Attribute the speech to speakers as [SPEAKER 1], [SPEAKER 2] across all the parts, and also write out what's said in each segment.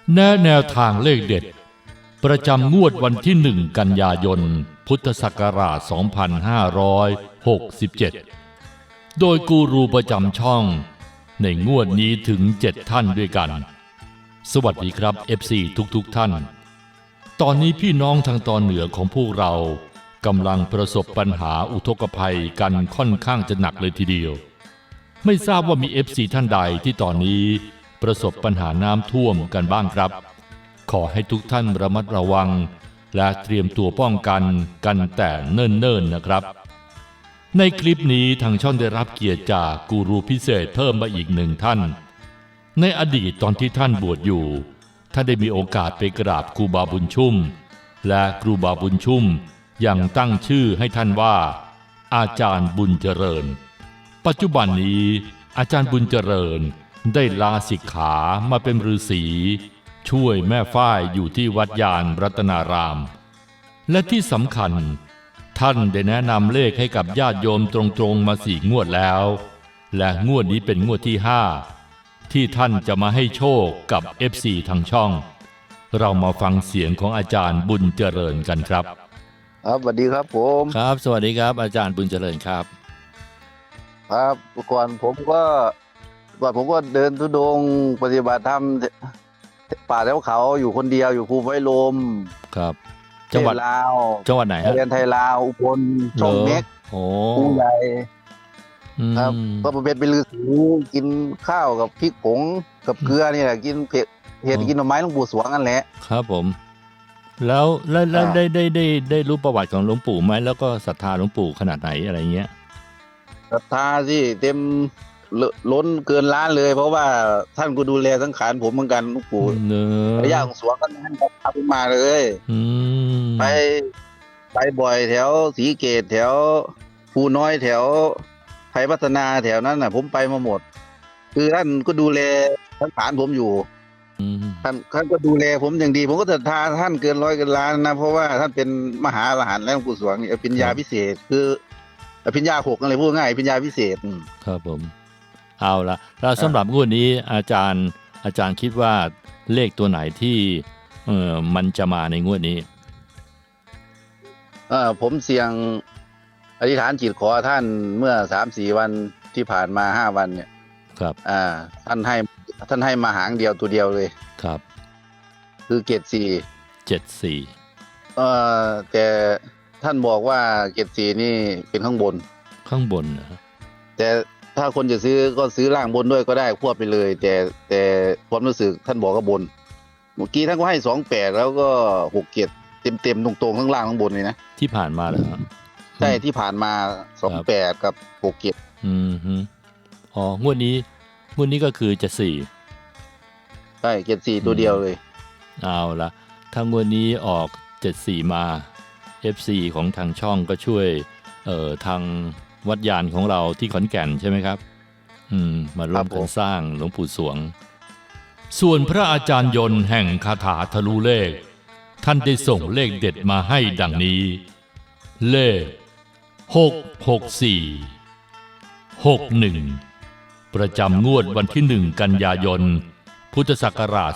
[SPEAKER 1] แนวทางเลขเด็ดประจำงวดวันที่1 กันยายนพุทธศักราช 2567 โดยกูรูประจำช่องในงวดนี้ถึง 7 ท่านด้วยกันสวัสดีครับ FC ทุกท่านตอนนี้พี่น้องทางตอนเหนือของพวกเรากำลังประสบปัญหาอุทกภัยกันค่อนข้างจะหนักเลยทีเดียวไม่ทราบว่ามี FC ท่านใดที่ตอนนี้ประสบปัญหาน้ำท่วมกันบ้างครับขอให้ทุกท่านระมัดระวังและเตรียมตัวป้องกันแต่เนิ่นๆนะครับในคลิปนี้ทางช่องได้รับเกียรติจากกูรูพิเศษเพิ่มมาอีก1 ท่านในอดีตตอนที่ท่านบวชอยู่ท่านได้มีโอกาสไปกราบครูบาบุญชุ่มและครูบาบุญชุ่มยังตั้งชื่อให้ท่านว่าอาจารย์บุญเจริญปัจจุบันนี้อาจารย์บุญเจริญได้ลาสิกขามาเป็นฤาษีช่วยแม่ฝ้ายอยู่ที่วัดยานรัตนารามและที่สำคัญท่านได้แนะนำเลขให้กับญาติโยมตรงๆมา4 งวดแล้วและงวดนี้เป็นงวดที่5ที่ท่านจะมาให้โชคกับ FC ทางช่องเรามาฟังเสียงของอาจารย์บุญเจริญกันครับ
[SPEAKER 2] ครับสวัสดีครับผม
[SPEAKER 1] ครับสวัสดีครับอาจารย์บุญเจริญครับ
[SPEAKER 2] ครับก่อนผมก็เดินธุดงค์ปฏิบัติธรรมป่าแถวเขาอยู่คนเดียวอยู่ภูไว้ลม
[SPEAKER 1] ครับจังหวัด
[SPEAKER 2] ลาว
[SPEAKER 1] จังหวัดไหนฮะ
[SPEAKER 2] เรียนไทยลาวอุบลช่องเม็กผู้ใหญ่ครับก็เป็นฤาษีกินข้าวกับพริกผงกับเกลือนี่แหละกินเห็ดกินหน่อไม้หลวงปู่สวงนั่นแหละ
[SPEAKER 1] ครับผมแล้วได้รู้ประวัติของหลวงปู่ไหมแล้วก็ศรัทธาหลวงปู่ขนาดไหนอะไรเงี้ย
[SPEAKER 2] ศรัทธาสิเต็มล้นเกินล้านเลยเพราะว่าท่านก็ดูแลสังขารผมเหมือนกันหลวงปู่ระยะของสวงก็ท่านก็พาผมมาเลยไปบ่อยแถวศรีเกตแถวภูน้อยแถวไทยพัฒนาแถวนั้นน่ะผมไปมาหมดคือท่านก็ดูแลสังขารผมอยู่ท่านก็ดูแลผมอย่างดีผมก็ศรัทธาท่านเกินร้อยเกินล้านนะเพราะว่าท่านเป็นมหาอรหันต์แล้วหลวงปู่สวงนี่อภิญญาพิเศษคืออภิญญา6อะไรพูดง่ายอภิญญาพิเศษ
[SPEAKER 1] ครับผมเอาละแล้วสำหรับงวดนี้อาจารย์คิดว่าเลขตัวไหนที่มันจะมาในงวดนี้
[SPEAKER 2] ผมเสี่ยงอธิษฐานจิตขอท่านเมื่อ 3-4 วันที่ผ่านมา5 วันเนี่ย
[SPEAKER 1] ครับ
[SPEAKER 2] ท่านให้มาหางเดียวตัวเดียวเลย
[SPEAKER 1] ครับ
[SPEAKER 2] คือเกรด4แต่ท่านบอกว่าเกรด4นี่เป็นข้างบน
[SPEAKER 1] นะ
[SPEAKER 2] แต่ถ้าคนจะซื้อก็ซื้อล่างบนด้วยก็ได้ควบไปเลยแต่ความรู้สึกท่านบอกว่าบนเมื่อกี้ท่านก็ให้28แล้วก็6เกรดเต็มตรงๆทั้งล่างทั้งบนเลยนะ
[SPEAKER 1] ที่ผ่านมาเหรอครับ
[SPEAKER 2] ใช่ที่ผ่านมา28กับ6เกรด
[SPEAKER 1] งวดนี้ก็คือจะ4
[SPEAKER 2] ใช่เกรด4ตัวเดียวเลย
[SPEAKER 1] เอาละถ้างวดนี้ออก74มา FC ของทางช่องก็ช่วยทางวัดยานของเราที่ขอนแก่นใช่ไหมครับมาร่วมกันสร้างหลวงปู่สวงส่วนพระอาจารย์ยนต์แห่งคาถาทะลุเลขท่านได้ส่งเลขเด็ดมาให้ดังนี้เลข664 61ประจำงวดวันที่1 กันยายนพุทธศักราช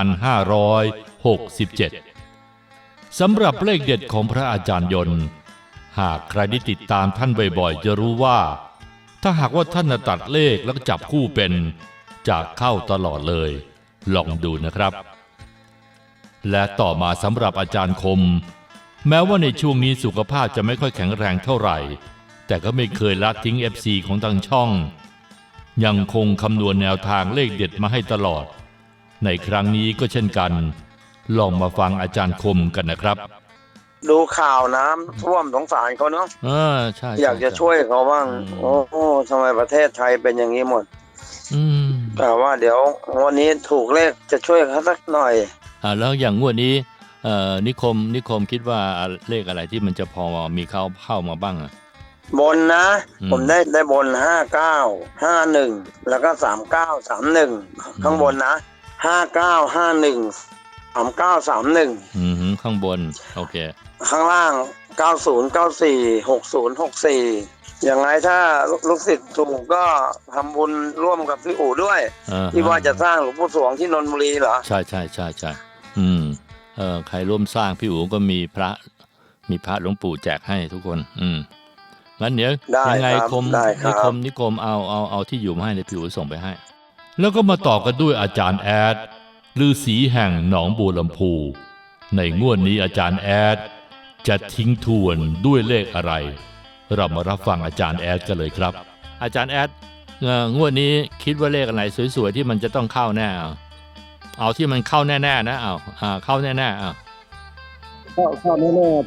[SPEAKER 1] 2567 สำหรับเลขเด็ดของพระอาจารย์ยนต์หากใครได้ติดตามท่านบ่อยๆจะรู้ว่าถ้าหากว่าท่านตัดเลขแล้วจับคู่เป็นจะเข้าตลอดเลยลองดูนะครับและต่อมาสำหรับอาจารย์คมแม้ว่าในช่วงนี้สุขภาพจะไม่ค่อยแข็งแรงเท่าไหร่แต่ก็ไม่เคยละทิ้ง FC ของทางช่องยังคงคำนวณแนวทางเลขเด็ดมาให้ตลอดในครั้งนี้ก็เช่นกันลองมาฟังอาจารย์คมกันนะครับ
[SPEAKER 3] ดูข่าวน้ำท่วมสงสารเขาเนาะ
[SPEAKER 1] ใช่
[SPEAKER 3] อยากจะช่วยเขาบ้างโอ้ทำไมประเทศไทยเป็นอย่างนี้หมดแต่ว่าเดี๋ยววันนี้ถูกเลขจะช่วยเขาสักหน่อย
[SPEAKER 1] แล้วอย่างงวดนี้นิคมคิดว่าเลขอะไรที่มันจะพอมีเข้ามาบ้าง
[SPEAKER 3] บนนะผมได้บน5951แล้วก็3931ข้างบนนะ5951 3931
[SPEAKER 1] ข้างบนโอเค
[SPEAKER 3] ข้างล่าง9094 6064 ยังไงถ้าลูกศิษย์ถูกก็ทำบุญร่วมกับพี่อู๋ด้วยที่ว่าจะสร้างหลวงปู่สวงที่นนทบุรีเหรอ
[SPEAKER 1] ใช่ใครร่วมสร้างพี่อู๋ก็มีพระหลวงปู่แจกให้ทุกคนงั้นเดี๋ยวยังไงนิคมเอาที่อยู่มาให้ในพี่อู๋ส่งไปให้แล้วก็มาต่อกันด้วยอาจารย์แอดฤาษีแห่งหนองบัวลำพูในงวดนี้อาจารย์แอดจะทิ้งทวนด้วยเลขอะไรเรามารับฟังอาจารย์แอดกันเลยครับอาจารย์แอดงวดนี้คิดว่าเลขอะไรสวยๆที่มันจะต้องเข้าแน่เอาที่มันเข้าแน่ๆนะเข้าแน่ๆ
[SPEAKER 4] เข้าแน่ๆ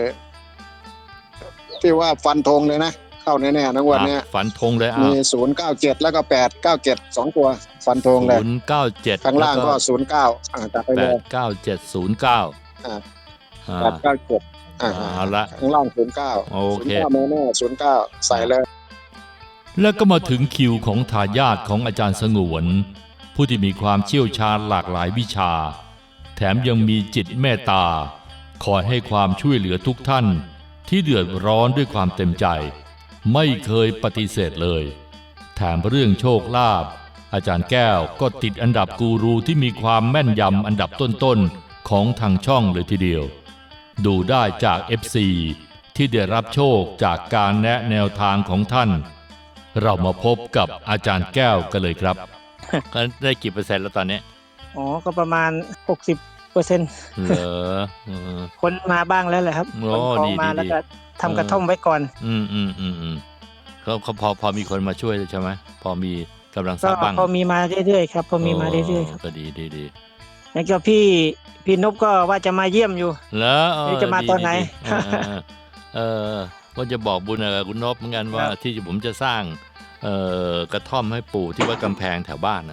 [SPEAKER 4] ที่ว่าฟันธงเลยนะเข้าแน่ๆนะวันนี้
[SPEAKER 1] ฟันธงเลย
[SPEAKER 4] มี097แล้วก็897 2ตัวฟันธงเลย
[SPEAKER 1] 097
[SPEAKER 4] ข้างล่างก็09ตัดไปเลย
[SPEAKER 1] 89709เอาละ
[SPEAKER 4] ข้างล่าง09
[SPEAKER 1] โอเค
[SPEAKER 4] แน่ๆ09ใส่เลย
[SPEAKER 1] แล้วก็มาถึงคิวของทายาทของอาจารย์สงวนผู้ที่มีความเชี่ยวชาญหลากหลายวิชาแถมยังมีจิตเมตตาคอยให้ความช่วยเหลือทุกท่านที่เดือดร้อนด้วยความเต็มใจไม่เคยปฏิเสธเลยแถมเรื่องโชคลาภอาจารย์แก้วก็ติดอันดับกูรูที่มีความแม่นยำอันดับต้นๆของทางช่องเลยทีเดียวดูได้จาก FC ที่ได้รับโชคจากการแนะแนวทางของท่านเรามาพบกับอาจารย์แก้วกันเลยครับได้กี่เปอร์เซ็นต์แล้วตอนนี้
[SPEAKER 5] ก็ประมาณ 60%
[SPEAKER 1] เหรอ
[SPEAKER 5] คนมาบ้างแล้วแหละครับคนมาแล้วก็ทำกระท่อมไว้ก่อน
[SPEAKER 1] เขาพอมีคนมาช่วยใช่ไหมพอมีกำลังสร้างบ้าง
[SPEAKER 5] พอมีมาเรื่อยๆครับพอมีมาเรื่อยๆครับ
[SPEAKER 1] ก็ดี
[SPEAKER 5] แล้วก็พี่นพก็ว่าจะมาเยี่ยมอยู่
[SPEAKER 1] แล้ว
[SPEAKER 5] จะมาตอนไหน
[SPEAKER 1] ว่าจะบอกบุญกับคุณนพเหมือนกันว่าที่ผมจะสร้างกระท่อมให้ปู่ที่วัดกำแพงแถวบ้าน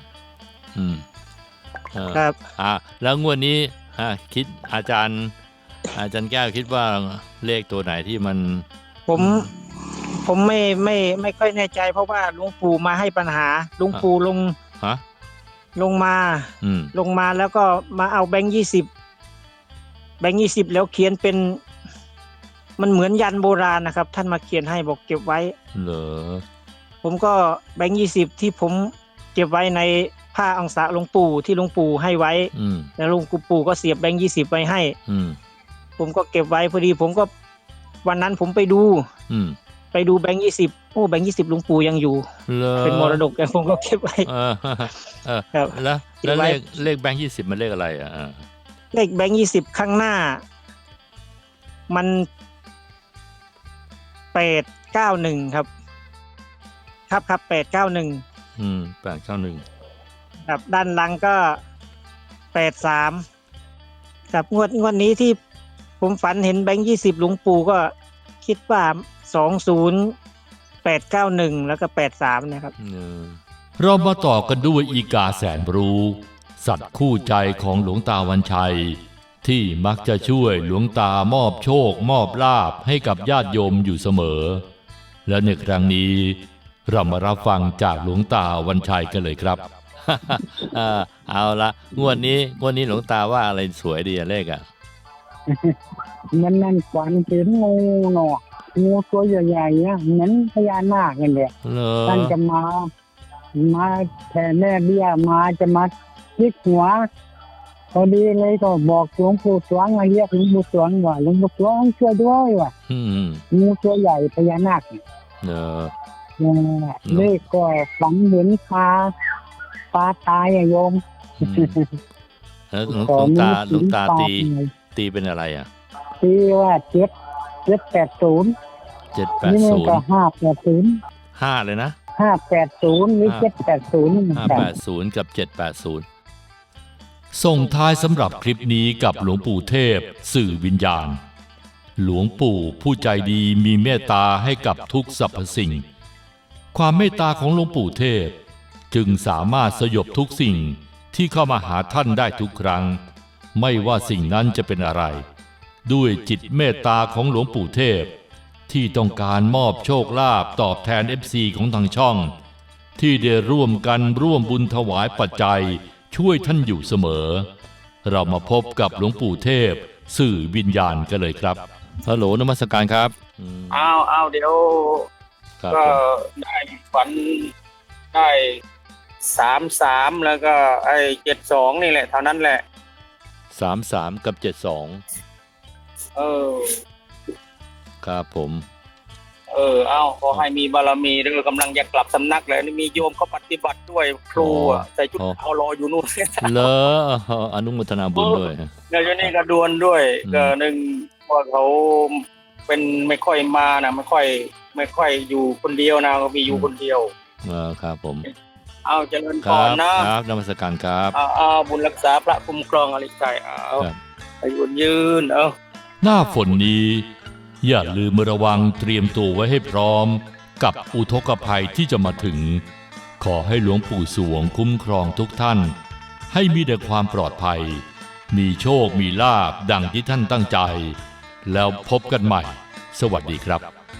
[SPEAKER 5] ครับ
[SPEAKER 1] แล้วงวดนี้คิดอาจารย์แก้วคิดว่าเลขตัวไหนที่มัน
[SPEAKER 5] ผมไม่ค่อยแน่ใจเพราะว่าหลวงปู่มาให้ปัญหาหลวงปู่ลงมาแล้วก็มาเอาแบงค์20แล้วเขียนเป็นมันเหมือนยันโบราณนะครับท่านมาเขียนให้บอกเก็บไว้
[SPEAKER 1] เหรอ
[SPEAKER 5] ผมก็แบงค์20ที่ผมเก็บไว้ในผ้าอังสะหลวงปู่ที่หลวงปู่ให้ไว้แล้วหลวงปู่ก็เสียบแบงค์20ไว้ให้ผมก็เก็บไว้พอดีผมก็วันนั้นผมไปดูแบงค์20แบงค์20หลวงปู่ยังอยู่เป็นมรดกแต่ผมก็เก็บไว้
[SPEAKER 1] ครับแล้วเลขแบงค์20มันเลขอะไร
[SPEAKER 5] เลขแบงค์20ข้างหน้ามัน891ครับ891
[SPEAKER 1] 891
[SPEAKER 5] ครับด้านหลังก็83ครับงวดนี้ที่ผมฝันเห็นแบงค์20หลวงปู่ก็คิดว่า20891แล้วก็83นะครับ
[SPEAKER 1] เรามาต่อกันด้วยอีกาแสนรู้สัตว์คู่ใจของหลวงตาวันชัยที่มักจะช่วยหลวงตามอบโชคมอบลาภให้กับญาติโยมอยู่เสมอและในครั้งนี้เรามารับฟังจากหลวงตาวันชัยกันเลยครับ เอาละงวดนี้หลวงตาว่าอะไรสวยดีเลข
[SPEAKER 4] นั่นฝันเห็นงูตัวใหญ่ๆเหมือนพญานาคนั่นแหละท่านจะมาแผ่แม่เบี้ยมาจะมายิกหัวพอดีเลยก็บอกหลวงปู่สวงมาเรียกหลวงปู่สวงว่าหลวงปู่สวงช่วยด้วยว่ะงูตัวใหญ่พญานาคเลขก็ฝันเห็นปลาตายโยม
[SPEAKER 1] แล้วหลวงตาตีเป็นอะไร
[SPEAKER 4] ตีว่า780นี่มันก็580
[SPEAKER 1] เลยนะ
[SPEAKER 4] 580หรือ780
[SPEAKER 1] 580กับ780ส่งท้ายสำหรับคลิปนี้กับหลวงปู่เทพสื่อวิญญาณหลวงปู่ผู้ใจดีมีเมตตาให้กับทุกสรรพสิ่งความเมตตาของหลวงปู่เทพจึงสามารถสยบทุกสิ่งที่เข้ามาหาท่านได้ทุกครั้งไม่ว่าสิ่งนั้นจะเป็นอะไรด้วยจิตเมตตาของหลวงปู่เทพที่ต้องการมอบโชคลาภตอบแทน FC ของทางช่องที่ได้ร่วมบุญถวายปัจจัยช่วยท่านอยู่เสมอเรามาพบกับหลวงปู่เทพสื่อวิญญาณกันเลยครับฮัลโหลนมัสการครับ
[SPEAKER 6] เอาเดี๋ยวก็ได้ฝันได้33แล้วก็ไอ้72นี่แหละเท่านั้นแหละ
[SPEAKER 1] 33กับ72ครับผม
[SPEAKER 6] ขอให้มีบารมีเด้อกำลังจะกลับสำนักแล้วนี่มีโยมเขาปฏิบัติด้วยครูใส่ชุดขาวรออยู่นู่น
[SPEAKER 1] เหรออนุโมทนาบุญด้วย
[SPEAKER 6] แล้วอยู่นี่ก็ดวนด้วยก็หนึ่งว่าเขาเป็นไม่ค่อยมานะไม่ค่อยอยู่คนเดียวนะก็มีอยู่คนเดียว
[SPEAKER 1] ครับผม
[SPEAKER 6] เจริญพรนะครับ
[SPEAKER 1] นมัสการครับ
[SPEAKER 6] บุญรักษาพระคุ้มครองอริไกอายุยืน
[SPEAKER 1] หน้าฝนนี้อย่าลืมระวังเตรียมตัวไว้ให้พร้อมกับอุทกภัยที่จะมาถึงขอให้หลวงปู่สวงคุ้มครองทุกท่านให้มีแต่ความปลอดภัยมีโชคมีลาภดังที่ท่านตั้งใจแล้วพบกันใหม่สวัสดีครับ